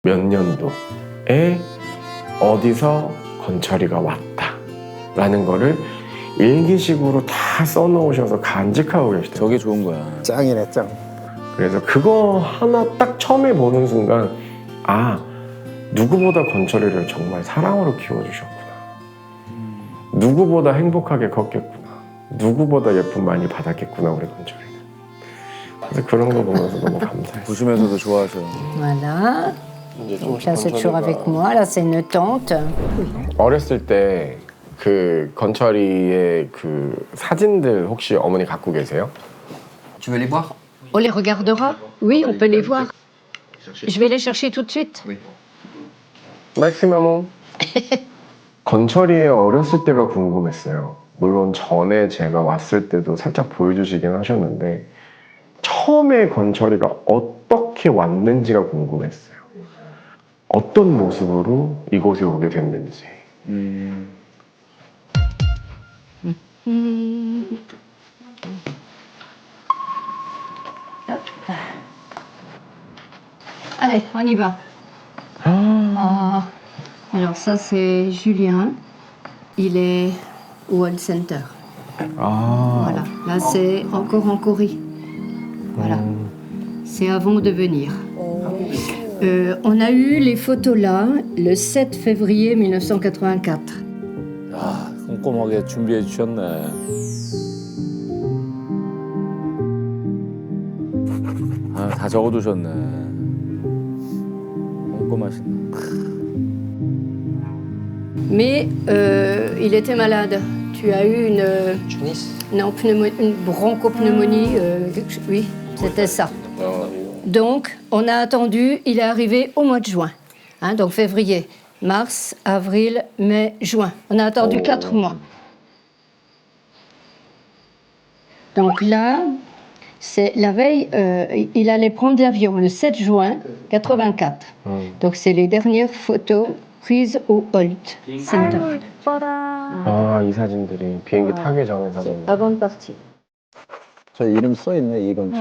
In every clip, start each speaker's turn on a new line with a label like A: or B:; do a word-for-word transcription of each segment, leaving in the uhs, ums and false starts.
A: 몇 년도에 어디서 건철이가 왔다 라는 거를 일기식으로 다 써놓으셔서 간직하고 계시대요.
B: 저게 좋은 거야.
C: 짱이네 짱.
A: 그래서 그거 하나 딱 처음에 보는 순간 아, 누구보다 건철이를 정말 사랑으로 키워주셨구나. 누구보다 행복하게 컸겠구나. 누구보다 예쁨 많이 받았겠구나 우리 건철이는. 그래서 그런 거 보면서 너무 감사했어요.
B: 보시면서도 좋아하셔.
D: Voilà. Donc là, c'est toujours avec moi. Là, c'est une tante.
A: 어렸을 때 그 건철이의 그 사진들 혹시 어머니 갖고 계세요?
E: Tu veux les voir?
D: On les regardera? Oui, on peut les voir. Je vais les chercher tout de suite.
A: 말씀하면 건철이의 어렸을 때가 궁금했어요. 물론 전에 제가 왔을 때도 살짝 보여주시긴 하셨는데 처음에 건철이가 어떻게 왔는지가 궁금했어요. 어떤 모습으로 이곳에 오게 됐는지.
B: 음.
D: Allez, on y va. Ah. Alors ça, c'est Julien. Il est au World Center.
A: 아,
D: Voilà. Là, c'est encore en Corée. Voilà. C'est avant de venir. Euh, on a eu les photos là le sept février mille neuf cent quatre-vingt-quatre.
B: 야, 꼼꼼하게 준비해 주셨네. 아, 다 적어두셨네. 꼼꼼하시네.
D: Mais euh, il était malade. Tu as eu une,
E: Tunis?
D: non, pneumo- une bronchopneumonie. euh, quelque chose- oui, c'était ça. Donc, on a attendu. Il est arrivé au mois de juin. Hein, donc février, mars, avril, mai, juin. On a attendu quatre mois. Donc là, c'est la veille, euh, il allait prendre l'avion le sept juin quatre-vingt-quatre. Donc c'est les dernières photos prises au Holt Center.
A: 아, 이 사진들이 비행기 타기 전에 사진.
D: Avant de partir.
C: 저 이름 써 있네 이건철.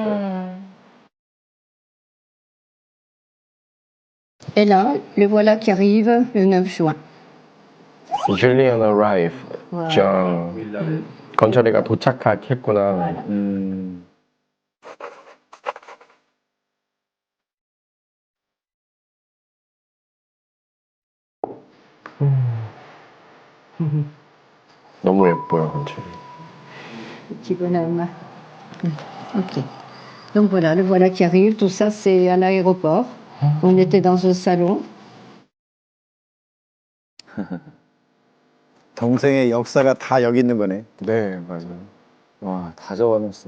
D: Et là, le voilà qui arrive le neuf juin.
A: Julian arrive.
D: Voilà.
A: 정. 건철이가 도착했구나.
B: 음.
A: 너무 예뻐요, 건철이.
D: Petit bonhomme. Ok. Donc voilà, le voilà qui arrive. Tout ça, c'est à l'aéroport. On était dans un salon.
C: 동생의 역사가 다 여기 있는 거네.
A: 네, 맞아요.
B: 와, 다 적어놨어.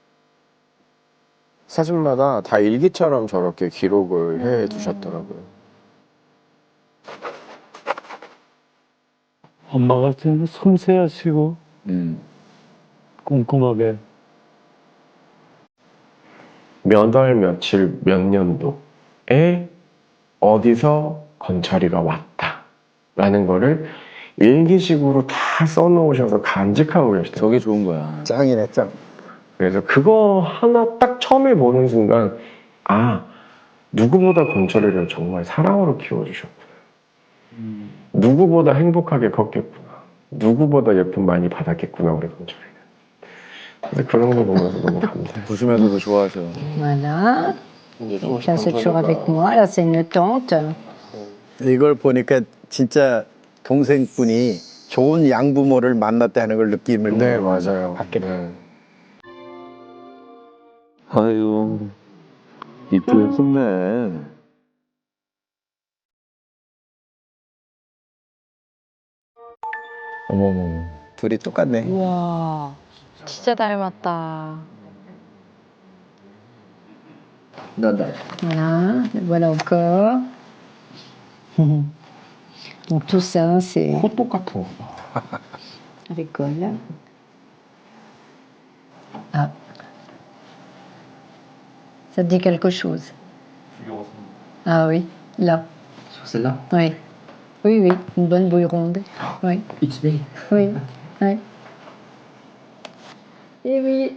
A: 사진마다 다 일기처럼 저렇게 기록을 해 두셨더라고요.
F: 엄마가 좀 섬세하시고
B: 음.
F: 꼼꼼하게.
A: 몇 월 며칠 몇 년도에 어디서 건철이가 왔다 라는 거를 일기식으로 다 써놓으셔서 간직하고 계시대요.
B: 저게 좋은 거야.
C: 짱이네 짱.
A: 그래서 그거 하나 딱 처음에 보는 순간 아, 누구보다 건철이를 정말 사랑으로 키워주셨구나. 누구보다 행복하게 컸겠구나. 누구보다 예쁨 많이 받았겠구나 우리 건철이는. 그래서 그런 거 보면서 너무 감사했어요.
B: 보시면서도 좋아하셔.
D: Voilà. Donc là, c'est toujours avec moi. Là, c'est une tante.
C: 이걸 보니까 진짜 동생분이 좋은 양부모를 만났다는 걸 느낌을
A: 네, 맞아요.
C: 받게 돼.
A: 네.
F: 아유, 이쁘게 썼네.
A: 어머머.
C: 둘이 똑같네.
G: 우와, 진짜 닮았다.
D: Voilà, le voilà encore. Donc tout ça, c'est
A: 코 똑같은 거 봐.
D: à l'école. Ah. Ça te dit quelque chose? Ah oui, là.
E: Sur celle-là?
D: Oui. Oui, oui, une bonne bouille ronde. Oui,
E: X B.
D: oui, oui. Et oui.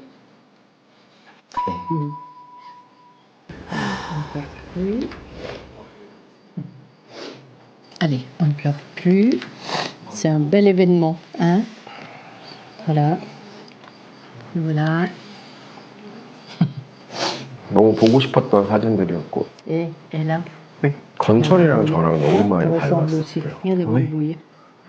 D: Oui. Allez, on ne pleure plus. C'est un bel événement, hein? Voilà. Voilà.
A: 너무 보고 싶었던 사진들이었고
D: Et, et là,
A: 건철이랑 저랑 너무
D: ça
A: 많이
D: ressemble aussi.
A: 닮았어요.
D: Regardez, vous voyez.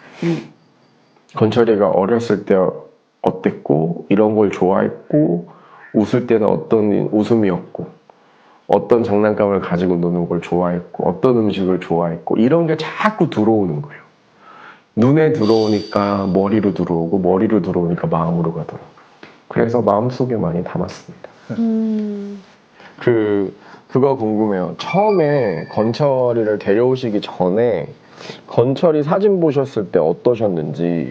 A: 건철이가 어렸을 때 어땠고 이런 걸 좋아했고 웃을 때는 어떤 웃음이었고 어떤 장난감을 가지고 노는 걸 좋아했고 어떤 음식을 좋아했고 이런 게 자꾸 들어오는 거예요. 눈에 들어오니까 머리로 들어오고 머리로 들어오니까 마음으로 가더라고요. 그래서 마음속에 많이 담았습니다.
G: 음.
A: 그 그거 궁금해요. 처음에 건철이를 데려오시기 전에 건철이 사진 보셨을 때 어떠셨는지.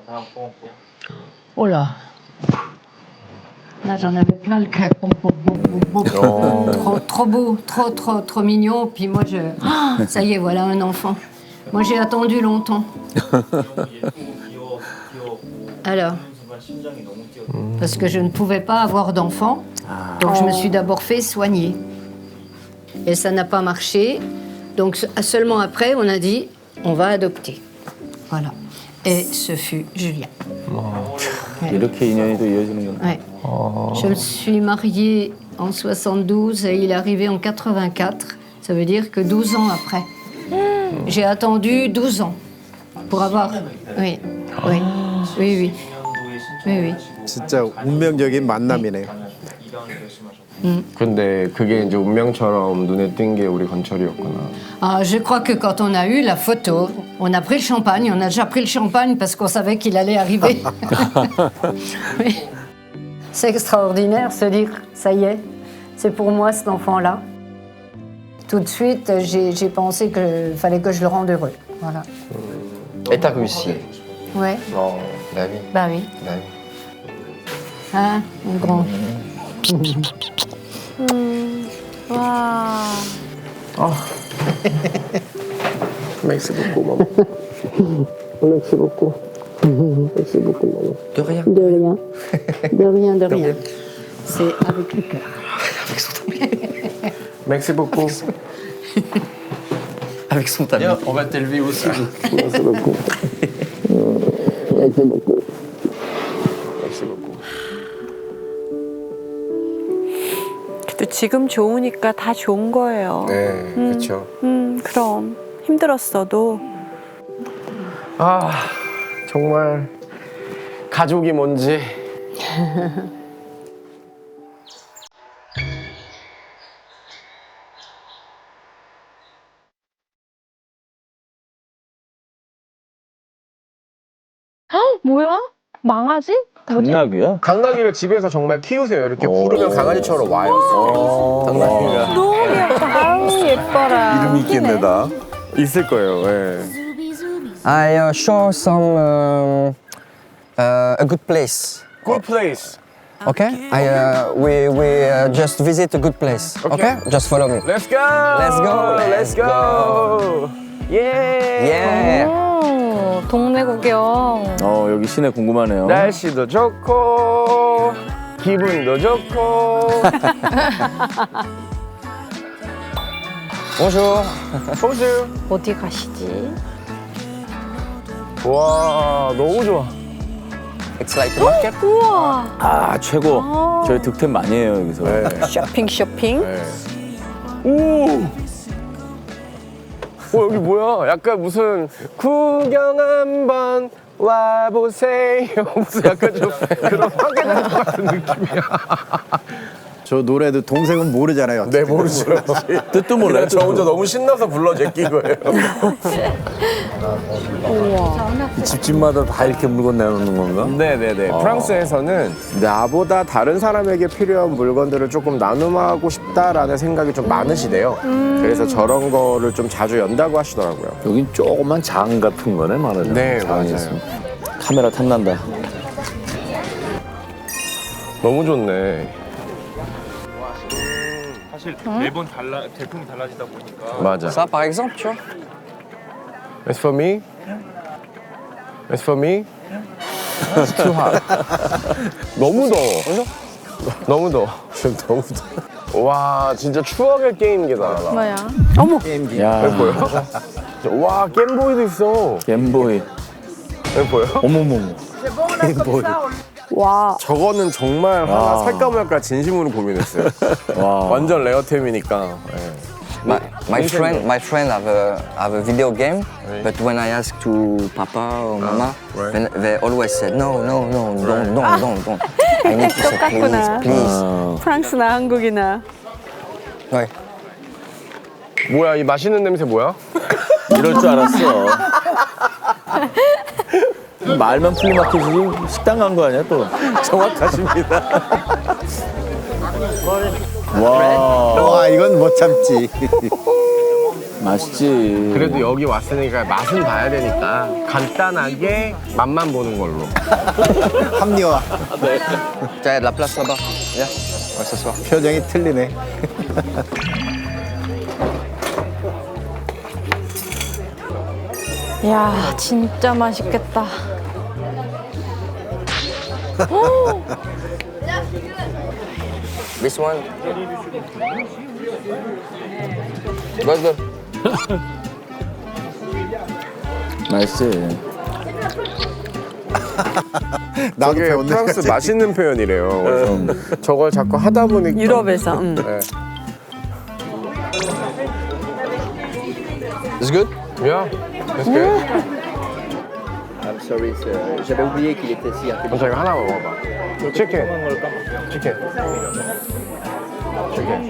D: Oh là. Là, j'en avais plein le cœur. Pom, pom, pom, pom, pom. Trop, trop beau, trop, trop, trop mignon. Puis moi, je. Ah, ça y est, voilà un enfant. Moi, j'ai attendu longtemps. Alors. Parce que je ne pouvais pas avoir d'enfant. Donc, je me suis d'abord fait soigner. Et ça n'a pas marché. Donc, seulement après, on a dit on va adopter. Voilà. Et ce fut Julien.
B: 이렇게 인연이 또 이어지는구나.
D: Ouais. Je me suis mariée en soixante-douze et il est arrivé en quatre-vingt-quatre. Ça veut dire que douze ans après. J'ai attendu douze ans pour avoir. Oui, oui, oui, oui. Oui, oui.
C: 진짜 운명적인 만남이네요.
A: 근데 그게 이제 운명처럼 눈에 띈 게 우리 건철이었구나.
D: Ah, je crois que quand on a eu la photo, on a pris le champagne. On a déjà pris le champagne parce qu'on savait qu'il allait arriver. Oui. C'est extraordinaire se dire, ça y est, c'est pour moi cet enfant-là. Tout de suite, j'ai j'ai pensé qu'il fallait que je le rende heureux. Voilà.
E: Et t'as réussi.
D: Ouais,
E: Non, bah oui.
D: bah oui.
E: Bah oui.
D: Hein, mon grand.
G: 음. 와.
A: 맥스 beaucoup, maman. 맥스 beaucoup. 맥스 beaucoup, maman.
E: De rien.
D: De rien. De rien, de rien. C'est avec le cœur.
A: 맥스 beaucoup.
E: Avec son talent. Viens, on va t'élever aussi.
A: 맥스 beaucoup. 맥스 beaucoup. 맥스 beaucoup.
H: 그래도 지금 좋으니까 다 좋은 거예요.
A: 네, 그렇죠.
H: 음, 그럼 힘들었어도
A: 아, 정말 가족이 뭔지.
G: 뭐야? 망아지?
B: 강나귀야?
A: 강나귀를 집에서 정말 키우세요. 이렇게 부르면 강아지처럼 와요.
B: 강나귀가
H: 너무 귀엽다. 아우 예뻐라.
B: 이름이 있긴 해다. 있을 거예요. 예.
E: I uh, show some um, uh, a good place.
A: Good place.
E: Okay? I uh, we we uh, just visit a good place. Okay? Just follow me.
A: Let's go.
E: Let's go,
A: Let's
E: let's
A: go. Yeah.
E: Yeah.
G: 오, 동네 구경.
B: 어 여기 시내 궁금하네요.
A: 날씨도 좋고 기분도 좋고.
E: Bonjour.
A: 호수.
G: 어디 가시지?
A: 와, 너무 좋아.
E: It's like a market.
G: 우와.
B: 아 최고. 저희 득템 많이 해요 여기서.
H: 쇼핑 쇼핑.
A: 오. 어, 여기 뭐야? 약간 무슨 구경 한번 와보세요. 무슨 약간 좀 그런 확인할 것 같은 느낌이야.
C: 저 노래도 동생은 모르잖아요.
A: 네, 모르죠.
B: 뜻도 몰라요.
A: 저 혼자 너무 신나서 불러 제낀 거예요.
B: 집집마다 다 이렇게 물건 내놓는 건가?
A: 네네네. 프랑스에서는 나보다 다른 사람에게 필요한 물건들을 조금 나눔하고 싶다라는 생각이 좀 많으시대요. 그래서 저런 거를 좀 자주 연다고 하시더라고요.
B: 여긴 조그만 장 같은 거네 말하자면.
A: 네,
B: 장이
A: 맞아요.
B: 있으면. 카메라 탐난다.
A: 너무 좋네.
I: 사실 매번 달라 제품이 달라지다 보니까
A: 맞아.
E: Ça par exemple, tu vois.
A: It's for me. It's for me. It's too hot. 너무 더워. 너무 더워. 너무 와 진짜 추억의 게임기다.
G: 뭐야?
C: 게임기.
B: 야,
A: 보여? 와 게임보이도 있어.
B: 겜보이.
A: 여기 보여?
B: 어머머머.
C: 게임보이.
G: 와.
A: 저거는 정말 하나 살까 말까 진심으로 고민했어요.
B: 와.
A: 완전 레어템이니까. 예.
E: My, my friend, my friend have a have a video game, but when I ask to Papa or Mama,
A: right.
E: then they always said no, no, no, don't, don't, don't, don't. I need to say please,
G: 똑같구나.
E: please.
H: 프랑스나 한국이나.
E: Ouais.
A: 뭐야 이 맛있는 냄새 뭐야?
B: 이럴 줄 알았어. 말만 플리마켓이지 식당 간 거 아니야 또?
A: 정확하십니다.
B: 와,
C: 와 이건 못 참지.
B: 맛있지.
A: 그래도 여기 왔으니까 맛은 봐야 되니까 간단하게 맛만 보는 걸로.
C: 합리화.
E: Tiens, il y a de la place là-bas. Viens, on va s'asseoir.
C: 표정이 틀리네.
G: 야, 진짜 맛있겠다.
E: This one. Good, good.
B: 맛있지.
C: 나도
A: 저게
C: 배웠네.
A: 프랑스 맛있는 표현이래요. 그래서 저걸 자꾸 하다 보니까
H: 유럽에서. 음.
A: 네.
E: It's good?
A: Yeah, that's good.
E: I'm sorry, j'avais oublié qu'il était si
A: 그럼 저희가 하나 먹어봐. 치킨. 치킨. 치킨.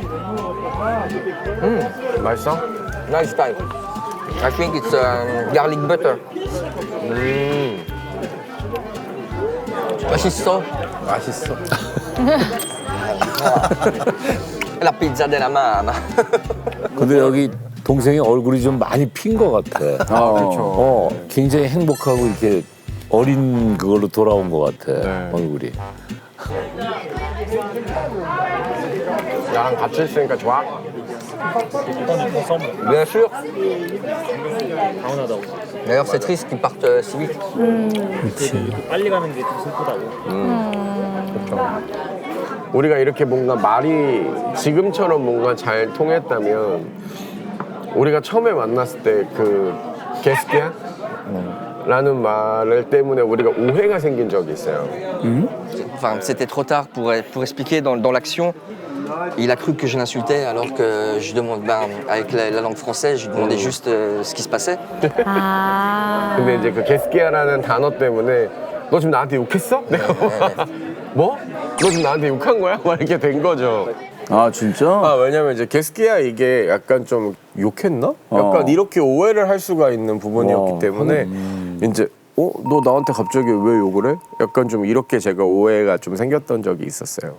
A: 음, 맛있어?
E: Nice time. I think it's um, garlic butter.
A: 음,
E: 맛있어.
C: 맛있어.
E: La pizza della mamma.
B: 근데 여기 동생이 얼굴이 좀 많이 핀 것 같아. 아,
A: 그렇죠.
B: 어, 굉장히 행복하고 이렇게 어린 그걸로 돌아온 것 같아.
A: 네.
B: 얼굴이.
A: 나랑 같이 있으니까 좋아?
E: Bien sûr. D'ailleurs, c'est triste qu'ils partent euh, si vite.
I: 빨리 가는 게 좀 슬프다고.
A: 우리가 이렇게 뭔가 말이 지금처럼 뭔가 잘 통했다면 우리가 처음에 만났을 때 그 게스키야? 라는 말 때문에 우리가 오해가 생긴 적이 있어요.
E: Enfin, c'était trop tard pour, pour expliquer dans, dans l'action. Il a cru que je l'insultais alors que je demande, ben, avec la, la langue française, je lui demandais juste euh, ce qui se passait.
G: 아.
A: 근데 이제 그 게스키야라는 단어 때문에 너 지금 나한테 욕했어? 내가 뭐? 너 지금 나한테 욕한 거야? 막 이렇게 된 거죠.
B: 아, 진짜?
A: 아 왜냐면 이제 게스키야 이게 약간 좀 욕했나? 약간
B: 어.
A: 이렇게 오해를 할 수가 있는 부분이었기
B: 와,
A: 때문에
B: 음.
A: 이제 어? 너 나한테 갑자기 왜 욕을 해? 약간 좀 이렇게 제가 오해가 좀 생겼던 적이 있었어요.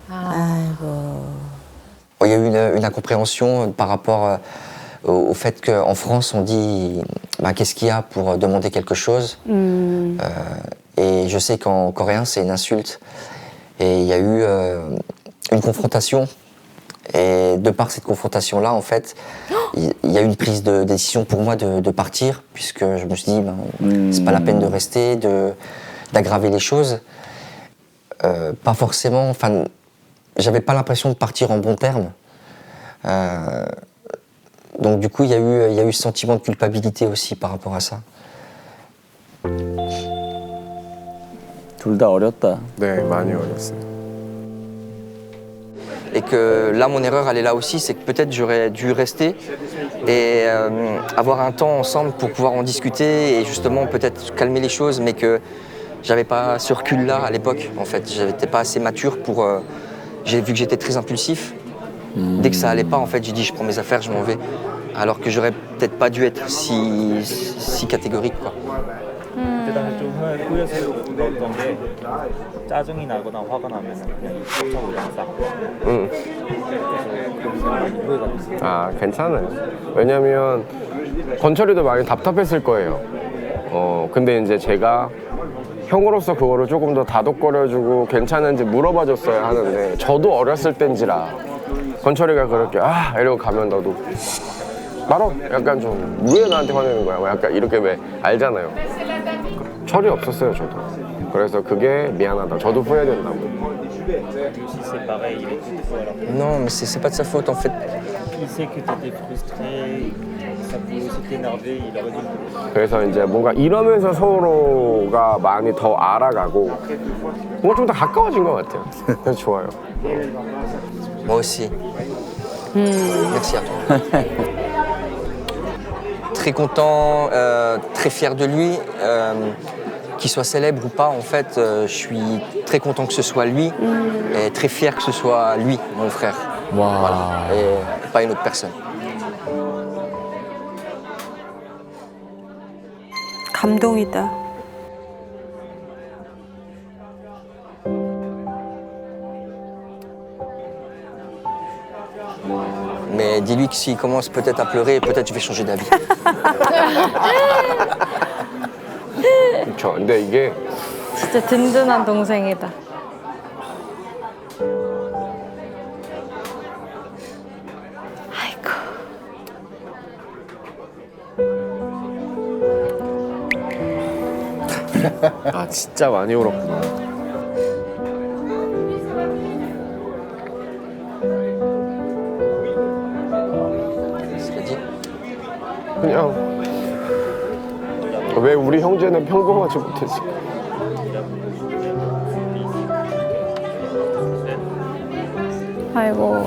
E: Bon, il y a eu une, une incompréhension par rapport euh, au, au fait qu'en France, on dit ben, qu'est-ce qu'il y a pour demander quelque chose. Euh, et je sais qu'en coréen, c'est une insulte. Et il y a eu euh, une confrontation. Et de par cette confrontation-là, en fait, il il y a eu une prise de décision pour moi de, de partir, puisque je me suis dit, ben, c'est pas la peine de rester, de, d'aggraver les choses. Euh, pas forcément, enfin, j'avais pas l'impression de partir en bons termes. Euh, donc du coup, il y a eu, il y a eu ce sentiment de culpabilité aussi par rapport à ça.
B: 둘 다 어렸다.
A: 네, 많이 어렸어요.
E: Et que là, mon erreur, elle est là aussi, c'est que peut-être j'aurais dû rester et euh, avoir un temps ensemble pour pouvoir en discuter et justement peut-être calmer les choses, mais que j'avais pas ce recul-là à l'époque. En fait, j'étais pas assez mature pour. Euh, j'ai vu que j'étais très impulsif. Dès que ça allait pas, en fait, j'ai dit je prends mes affaires, je m'en vais. Alors que j'aurais peut-être pas dû être si si catégorique, quoi.
I: 그때 당시 좀 후회, 후회스러웠던 게 짜증이 나거나 화가 나면 그냥 차 올라가 싸고.
A: 응.
I: 그래서 많이 후회가 됐어요.
A: 아 괜찮아요. 왜냐면 건철이도 많이 답답했을 거예요. 어 근데 이제 제가 형으로서 그거를 조금 더 다독거려주고 괜찮은지 물어봐줬어야 하는데 저도 어렸을 땐지라 건철이가 그렇게 아 이러고 가면 나도 말어 약간 좀 왜 나한테 화내는 거야? 뭐 약간 이렇게 왜 알잖아요. 철이 없었어요 저도. 그래서 그게 미안하다. 저도 후회된다고.
I: Lui aussi c'est pareil, il est tout fou alors.
E: Non, mais c'est c'est pas de sa faute en fait.
I: Il sait que tu étais frustré, ça peut aussi t'énerver, il aurait dû le
A: 그래서 이제 뭔가 이러면서 서로가 많이 더 알아가고 뭔가 좀 더 가까워진 것 같아요. 그래서 좋아요.
E: Moi aussi. Merci à toi. Très content, euh, très fier de lui. Euh, qu'il soit célèbre ou pas, en fait, euh, je suis très content que ce soit lui et très fier que ce soit lui, mon frère. Voilà. Et pas une autre personne.
H: 감동이다.
E: Mais dis-lui que s'il commence peut-être à pleurer, peut-être je vais changer d'avis.
A: 그렇죠. 근데 이게
G: 진짜 든든한 동생이다. 아이고.
A: 아 진짜 많이 울었구나.
E: C'est dit.
A: 그냥 왜 우리 형제는 평범하지 못했을까?
G: 아이고.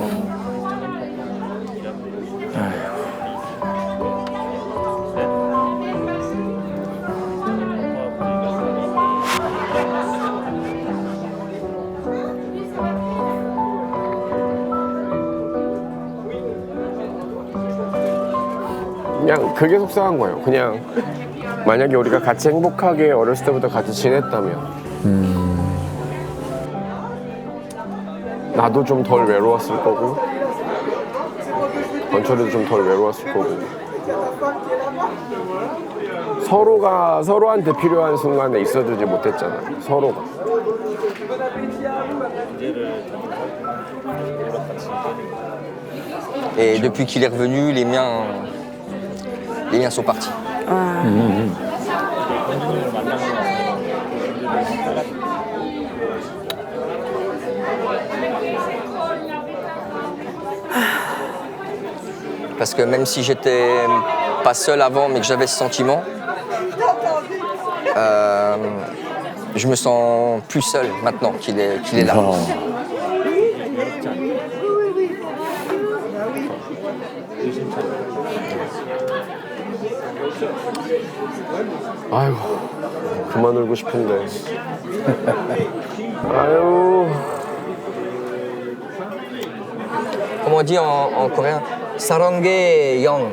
A: 그냥 그게 속상한 거예요. 그냥 만약에 우리가 같이 행복하게 어렸을 때부터 같이 지냈다면 나도 좀 덜 외로웠을 거고 건철이도 좀 덜 외로웠을 거고 서로가 서로한테 필요한 순간에 있어주지 못했잖아. 서로가.
E: Et depuis qu'il est revenu, les miens, les miens sont partis. Parce que même si j'étais pas seul avant, mais que j'avais ce sentiment, euh, je me sens plus seul maintenant qu'il est, qu'il est là.
A: 아이고 그만 울고 싶은데. 아유.
E: Comment on dit en, en coréen? Saranghae Yang.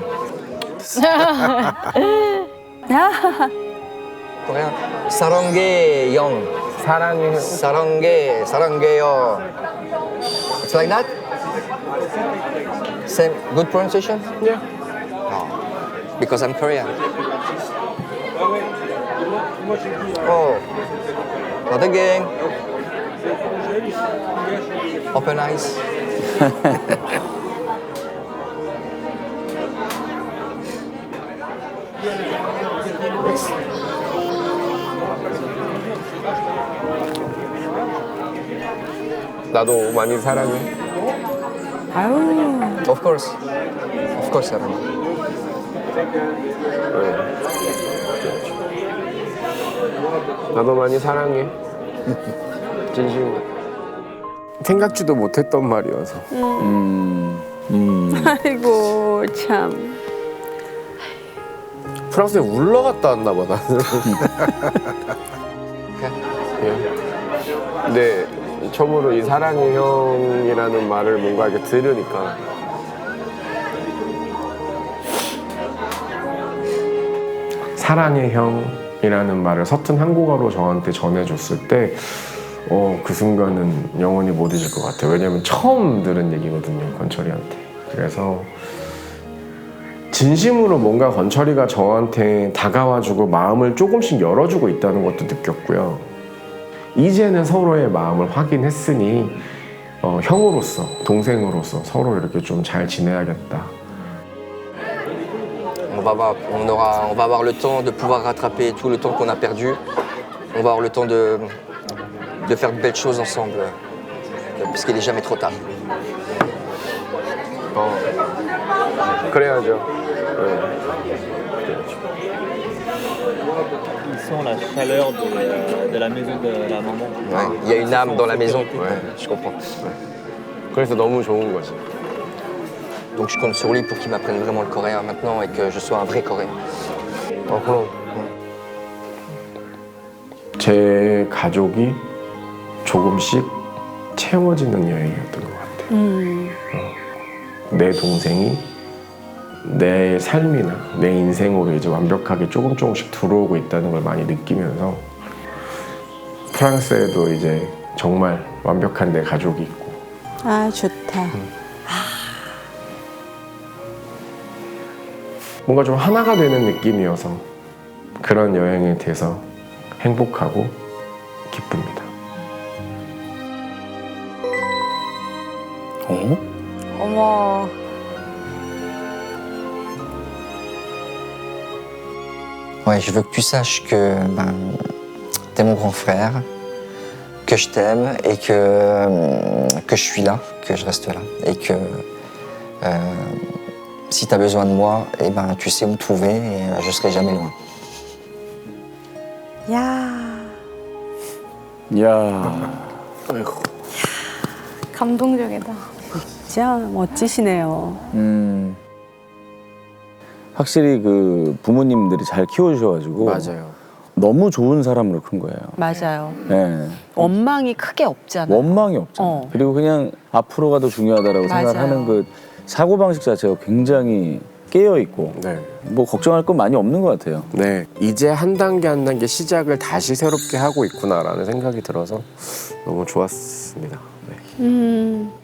E: coréen. Saranghae Yang.
A: 사랑해.
E: Saranghae, Saranghae. It's like that? Same, good pronunciation?
A: Yeah.
E: Because I'm Korean. Oh, not again. Open eyes.
A: 나도 많이 사랑해.
E: Of course. Of course, Sarang.
A: 나도 많이 사랑해. 진심으로. 생각지도 못했던 말이어서.
H: 아이고 참.
A: 프랑스에 울러 갔다 왔나 봐 나는. 예. 근데 처음으로 이 사랑의 형이라는 말을 뭔가 이렇게 들으니까 사랑의 형이라는 말을 서툰 한국어로 저한테 전해줬을 때 어, 그 순간은 영원히 못 잊을 것 같아요. 왜냐면 처음 들은 얘기거든요, 건철이한테. 그래서 진심으로 뭔가 건철이가 저한테 다가와주고 마음을 조금씩 열어주고 있다는 것도 느꼈고요. 이제는 서로의 마음을 확인했으니 어, 형으로서, 동생으로서 서로 이렇게 좀 잘 지내야겠다.
E: On va, avoir, on, aura, on va avoir le temps de pouvoir rattraper tout le temps qu'on a perdu. On va avoir le temps de, de faire de belles choses ensemble parce qu'il n'est jamais trop tard.
A: 어, 그래야죠.
I: Ils sont la chaleur de, de la maison de la maman.
E: Ouais, il y a une âme dans la maison. Ouais, je comprends.
A: 그래서 너무 좋은 거지.
E: Donc je compte sur lui pour qu'il m'apprenne vraiment le coréen maintenant et que je sois un vrai coréen.
A: 어, 그럼. 제 가족이 조금씩 채워지는 여행이었던 것 같아요. 어, 내 동생이 내 삶이나 내 인생으로 이제 완벽하게 조금 조금씩 들어오고 있다는 걸 많이 느끼면서 프랑스에도 이제 정말 완벽한 내 가족이 있고
H: 아 좋다.
A: 뭔가 좀 하나가 되는 느낌이어서 그런 여행에 대해서 행복하고 기쁩니다.
B: 어?
H: 어머.
E: Ouais, je veux que tu saches que ben, t'es mon grand frère, que je t'aime et que, euh, que je suis là, que je reste là. Et que euh, si t'as besoin de moi, eh ben, tu sais où me trouver et euh, je serai jamais loin.
H: 야
B: 야.
H: 감동적이다. 진짜 멋지시네요.
B: 음. 확실히 그 부모님들이 잘 키워주셔가지고
A: 맞아요.
B: 너무 좋은 사람으로 큰 거예요.
H: 맞아요.
B: 예.
H: 원망이 크게 없잖아요.
B: 원망이 없잖아요.
H: 어.
B: 그리고 그냥 앞으로가 더 중요하다라고
H: 맞아요.
B: 생각하는 그 사고방식 자체가 굉장히 깨어있고
A: 네.
B: 뭐 걱정할 건 많이 없는 것 같아요.
A: 네, 이제 한 단계 한 단계 시작을 다시 새롭게 하고 있구나라는 생각이 들어서 너무 좋았습니다. 네.
H: 음.